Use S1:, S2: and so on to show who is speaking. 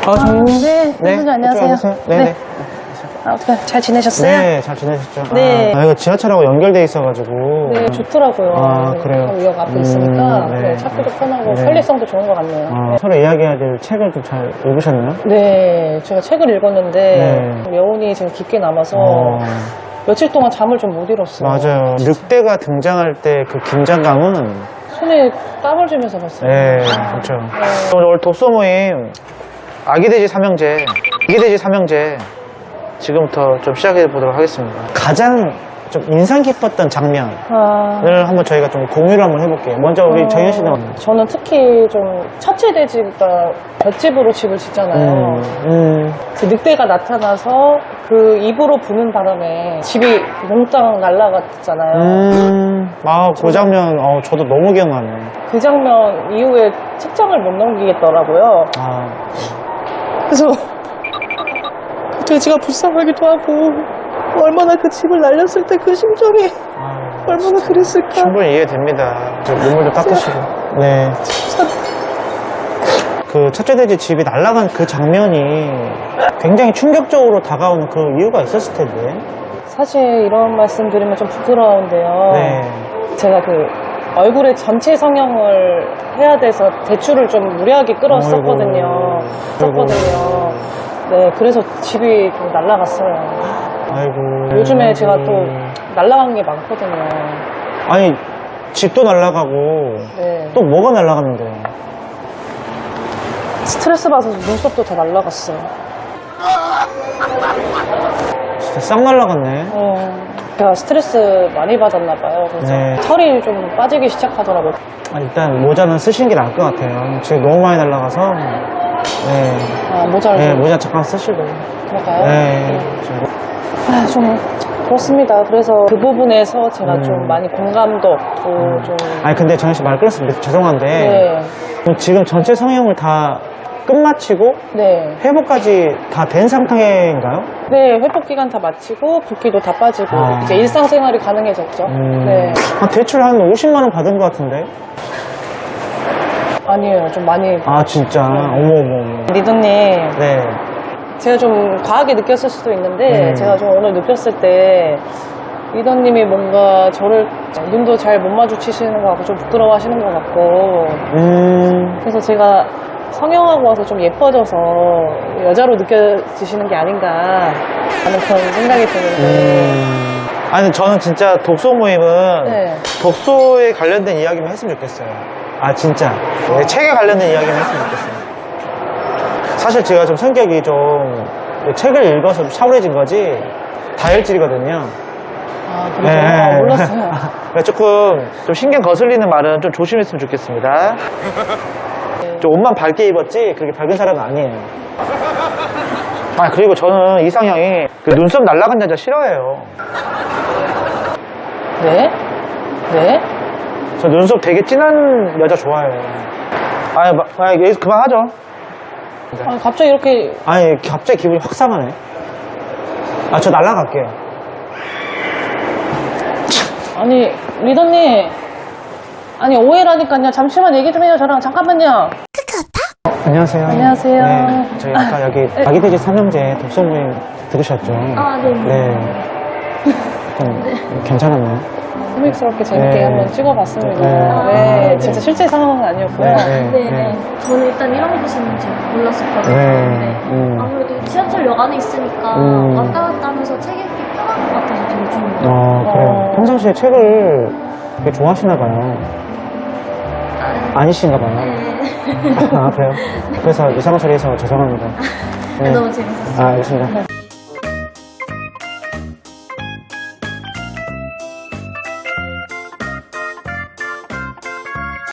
S1: 네, 선생님 안녕하세요.
S2: 네네.
S1: 어떻게 잘 지내셨어요?
S2: 네, 잘 지내셨죠?
S1: 네.
S2: 이거 지하철하고 연결돼 있어가지고.
S1: 네, 좋더라고요.
S2: 그래요?
S1: 역 앞에 있으니까
S2: 네.
S1: 네, 찾기도 편하고
S2: 네.
S1: 편리성도 좋은 것 같네요.
S2: 서로 이야기해야 될 책을 좀 잘 읽으셨나요?
S1: 네, 제가 책을 읽었는데
S2: 네.
S1: 여운이 지금 깊게 남아서 며칠 동안 잠을 좀 못 이뤘어요.
S2: 맞아요. 늑대가 등장할 때 그 긴장감은.
S1: 손에 땀을 쥐면서 봤어요.
S2: 네, 그렇죠. 오늘 독서 모임 아기돼지 삼형제, 지금부터 좀 시작해 보도록 하겠습니다. 가장 좀 인상 깊었던 장면을 한번 저희가 좀 공유를 한번 해볼게요. 먼저 우리 정현 씨는.
S1: 저는 특히 좀 첫째 돼지가 볏집으로 집을 짓잖아요. 그 늑대가 나타나서 그 입으로 부는 바람에 집이 몽땅 날아갔잖아요.
S2: 그 장면, 저도 너무 기억나네요.
S1: 그 장면 이후에 책장을 못 넘기겠더라고요. 그래서 그 돼지가 불쌍하기도 하고 얼마나 그 집을 날렸을 때 그 심정이 얼마나 그랬을까.
S2: 충분히 이해됩니다. 눈물도 닦으시고. 네. 그 첫째 돼지 집이 날아간 그 장면이 굉장히 충격적으로 다가오는 그 이유가 있었을 텐데.
S1: 사실 이런 말씀 드리면 좀 부끄러운데요.
S2: 네.
S1: 제가 그 얼굴에 전체 성형을 해야 돼서 대출을 좀 무리하게 끌었었거든요. 네, 그래서 집이 좀 날아갔어요.
S2: 아이고.
S1: 요즘에 제가 또 날아간 게 많거든요.
S2: 아니, 집도 날아가고
S1: 네.
S2: 또 뭐가 날아가는데?
S1: 스트레스 받아서 눈썹도 다 날아갔어요.
S2: 진짜 싹 날아갔네.
S1: 제가 스트레스 많이 받았나 봐요. 그래서
S2: 네.
S1: 털이 좀 빠지기 시작하더라고요.
S2: 일단 모자는 쓰신 게 나을 것 같아요. 지금 너무 많이 날아가서. 네.
S1: 모자를
S2: 네,
S1: 좀
S2: 모자 잠깐 쓰시고.
S1: 그럴까요?
S2: 네.
S1: 좀 그렇습니다. 그래서 그 부분에서 제가 좀 많이 공감도 없고 좀.
S2: 아니, 근데 정현 씨 말 끊었습니다. 죄송한데.
S1: 네.
S2: 그럼 지금 전체 성형을 다 끝마치고
S1: 네.
S2: 회복까지 다 된 상태인가요?
S1: 네, 회복 기간 다 마치고 붓기도 다 빠지고 이제 일상생활이 가능해졌죠. 네.
S2: 대출 한 50만 원 받은 것 같은데?
S1: 아니에요, 좀 많이.
S2: 진짜. 어머.
S1: 리더님,
S2: 네.
S1: 제가 좀 과하게 느꼈을 수도 있는데 제가 좀 오늘 느꼈을 때 리더님이 뭔가 저를 눈도 잘 못 마주치시는 것 같고 좀 부끄러워하시는 것 같고 그래서 제가 성형하고 와서 좀 예뻐져서 여자로 느껴지시는 게 아닌가 하는 그런 생각이 드는데.
S2: 아니, 저는 진짜 독서 모임은
S1: 네.
S2: 독서에 관련된 이야기만 했으면 좋겠어요. 진짜. 네, 책에 관련된 이야기만 했으면 좋겠어요. 사실 제가 좀 성격이 좀 책을 읽어서 좀 차분해진 거지 다혈질이거든요.
S1: 그래서 몰랐어요.
S2: 조금 좀 신경 거슬리는 말은 좀 조심했으면 좋겠습니다. 좀 옷만 밝게 입었지 그렇게 밝은 사람은 아니에요. 그리고 저는 이상형이 그 눈썹 날라간 여자 싫어해요.
S1: 네? 네?
S2: 저 눈썹 되게 진한 여자 좋아해요. 여기서 그만하죠.
S1: 갑자기 이렇게.
S2: 갑자기 기분이 확 상하네. 저 날라갈게요.
S1: 아니, 리더님. 아니, 오해라니까요. 잠시만 얘기 좀 해요, 저랑. 잠깐만요.
S2: 안녕하세요.
S1: 안녕하세요.
S2: 네, 저희 아까 여기 아기돼지 삼형제 독서 모임 들으셨죠?
S3: 네.
S2: 좀 괜찮았나요?
S1: 코믹스럽게 재밌게
S2: 네.
S1: 한번 찍어봤습니다.
S2: 네.
S1: 네, 진짜 실제 상황은 아니었고요.
S3: 네. 저는 일단 이런 곳이 있는지 몰랐었거든요.
S2: 네.
S3: 아무래도 지하철역 안에 있으니까 왔다 갔다 하면서 책 읽기 편한 것 같아서 되게 좋은 것 같아요.
S2: 그래요. 평상시에 책을 되게 좋아하시나 봐요. 아니신가 봐요.
S3: 네.
S2: 그래요? 그래서 이상한 소리 해서 죄송합니다.
S3: 너무 재밌었어요.
S2: 알겠습니다.